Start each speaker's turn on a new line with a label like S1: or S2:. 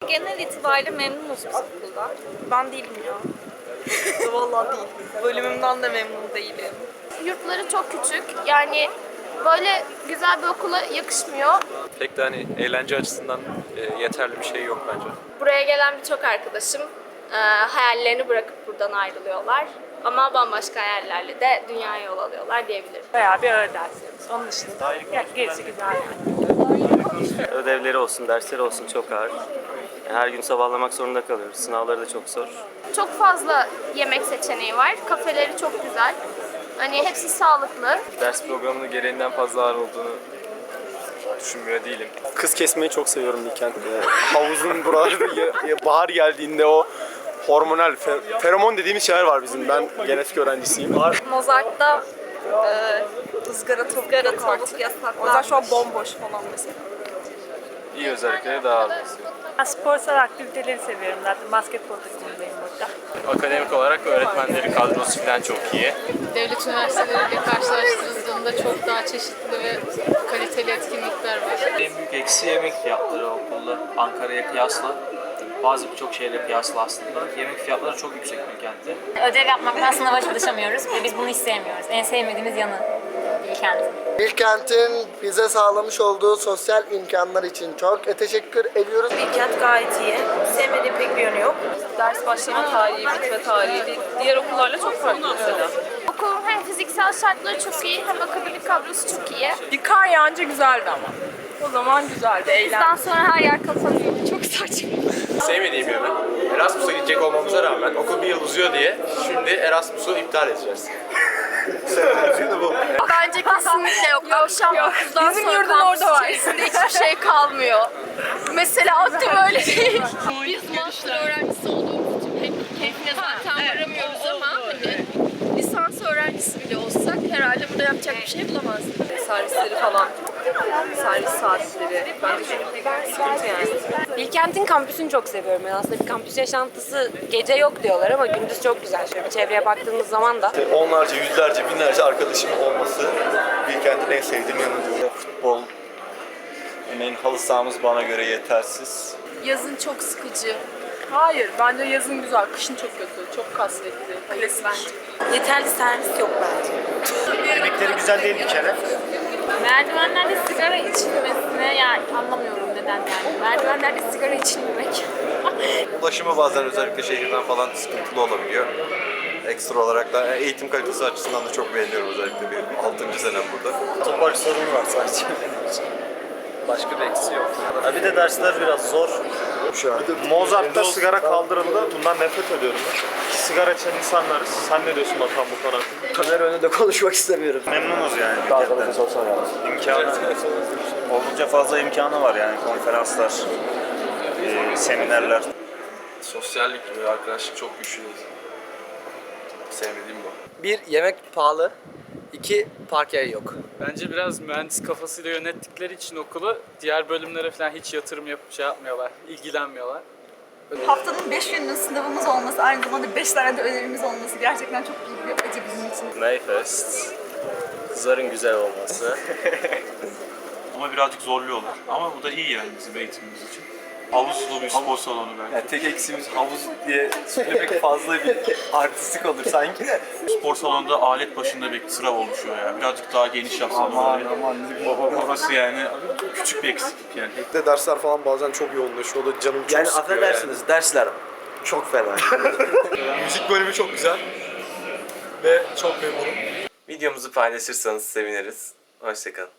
S1: genel itibariyle memnunuz biz okuldan.
S2: Ben değilim ya. Vallahi değilim. Bölümümden de memnun değilim.
S3: Yurtları çok küçük. Yani böyle güzel bir okula yakışmıyor.
S4: Pek de hani eğlence açısından yeterli bir şey yok bence.
S3: Buraya gelen birçok arkadaşım hayallerini bırakıp buradan ayrılıyorlar. Ama bambaşka hayallerle de dünyaya yol alıyorlar diyebilirim.
S2: Bayağı bir ağır derslerimiz. Onun dışında gerisi güzel yani.
S5: Ödevleri olsun, dersleri olsun çok ağır. Her gün sabahlamak zorunda kalıyoruz. Sınavları da çok zor.
S3: Çok fazla yemek seçeneği var. Kafeleri çok güzel. Hani hepsi sağlıklı.
S4: Ders programının gereğinden fazla ağır olduğunu düşünmüyor değilim.
S6: Kız kesmeyi çok seviyorum Bilkent'te. Havuzun buralarda bahar geldiğinde o hormonal, feromon dediğimiz şeyler var bizim. Ben genetik öğrencisiyim.
S2: Mozart'ta ızgara tavuk
S1: yasak.
S2: O yüzden şu an bomboş falan mesela.
S4: İyi özellikleri daha az.
S2: Ben sporsal aktiviteleri seviyorum zaten. Basketbol takımındayım burada.
S4: Akademik olarak öğretmenleri kadrosu falan çok iyi.
S7: Devlet üniversiteleriyle karşılaştırıldığında çok daha çeşitli ve kaliteli etkinlikler var.
S8: En büyük eksi yemek fiyatları okulda Ankara'ya kıyasla. Birçok şeyle kıyasla aslında. Yemek fiyatları çok yüksek Bilkent'te.
S9: Ödev yapmaktan sınava çalışamıyoruz ve biz bunu hiç sevmiyoruz. En sevmediğimiz yanı Bilkent.
S10: Bilkent'in bize sağlamış olduğu sosyal imkanlar için çok teşekkür ediyoruz.
S2: Bilkent gayet iyi. Sevmediğim pek bir yönü yok. Ders başlama tarihi, bitme tarihi diğer okullarla çok farklı mesela.
S3: Okulun hem fiziksel şartları çok iyi hem akademik kadrosu çok iyi.
S2: Bir kar yağınca güzeldi ama. O zaman güzeldi, eğlenceli.
S3: Bizden sonra her yer kapanıyor. Çok saçma.
S6: Sevmediğim yönü. Erasmus'a gidecek olmamıza rağmen okul bir yıl uzuyor diye şimdi Erasmus'u iptal edeceğiz.
S3: Bence kesinlikle yok. Akşam 9'dan
S2: Bizim
S3: sonra
S2: yurdun
S3: kampüs
S2: orada var.
S3: içerisinde hiçbir şey kalmıyor. Mesela aslında öyle değil. Biz master öğrencisi olduğumuz için pek keyfine zaten varamıyoruz ama hani lisans öğrencisi bile olsak herhalde burada yapacak bir şey bulamazdık.
S2: Servisleri falan. Servis saatleri. Bence çok sıkıntı yani. Bilkent'in kampüsünü çok seviyorum. Yani aslında bir kampüs yaşantısı gece yok diyorlar ama gündüz çok güzel. Şöyle bir çevreye baktığımız zaman da.
S6: Onlarca, yüzlerce, binlerce arkadaşım olması Bilkent'in en sevdiğim yanı diyor.
S4: Futbol, örneğin halı sahamız bana göre yetersiz.
S7: Yazın çok sıkıcı.
S2: Hayır, bence yazın güzel, kışın çok kötü, çok kasvetli. Klasik. Yeterli servis yok bence.
S6: Yemekleri güzel değil bir kere.
S9: Merdivenlerde sigara içilmesine yani anlamıyorum neden yani. Merdivenlerde sigara içilmemek.
S4: Ulaşımı bazen özellikle şehirden falan sıkıntılı olabiliyor. Ekstra olarak da eğitim kalitesi açısından da çok beğeniyorum özellikle bir 6. senem burada.
S6: Otopark sorunu var sadece.
S4: Başka bir eksi yok.
S5: Bir de dersler biraz zor.
S6: Mozart'ta sigara kaldırıldı. Bundan nefret ediyorum. Sigara içen insanlarız. Sen ne diyorsun bakalım bu konu hakkında?
S10: Kamera önünde konuşmak istemiyorum.
S5: Memnunuz yani. İmkanı, oldukça fazla imkanı var yani konferanslar, seminerler.
S4: Sosyallik ve arkadaşlık çok güçlü. Sevmediğim bu.
S10: Bir, yemek pahalı. İki, park yeri yok.
S8: Bence biraz mühendis kafasıyla yönettikleri için okulu diğer bölümlere falan hiç yatırım yapmıyorlar, ilgilenmiyorlar.
S1: Haftanın 5 gününün sınavımız olması, aynı zamanda 5 tane de ödevimiz olması gerçekten çok büyük bir acı bizim için.
S5: Mayfest, kızların güzel olması.
S8: Ama birazcık zorluyorlar. Ama bu da iyi yani bizim eğitimimiz için. Havuzlu bir spor salonu belki.
S4: Yani tek eksiğimiz havuz diye söylemek fazla bir artistik olur sanki de.
S8: Spor salonunda alet başında bir sıra oluşuyor ya. Birazcık daha geniş yapsalar. Burası yani küçük bir eksiklik yani.
S6: De dersler falan bazen çok yoğunlaşıyor. O da canım çok sıkıyor
S10: dersler çok fena.
S6: Müzik bölümü çok güzel. Ve çok memnunum.
S4: Videomuzu paylaşırsanız seviniriz. Hoşçakalın.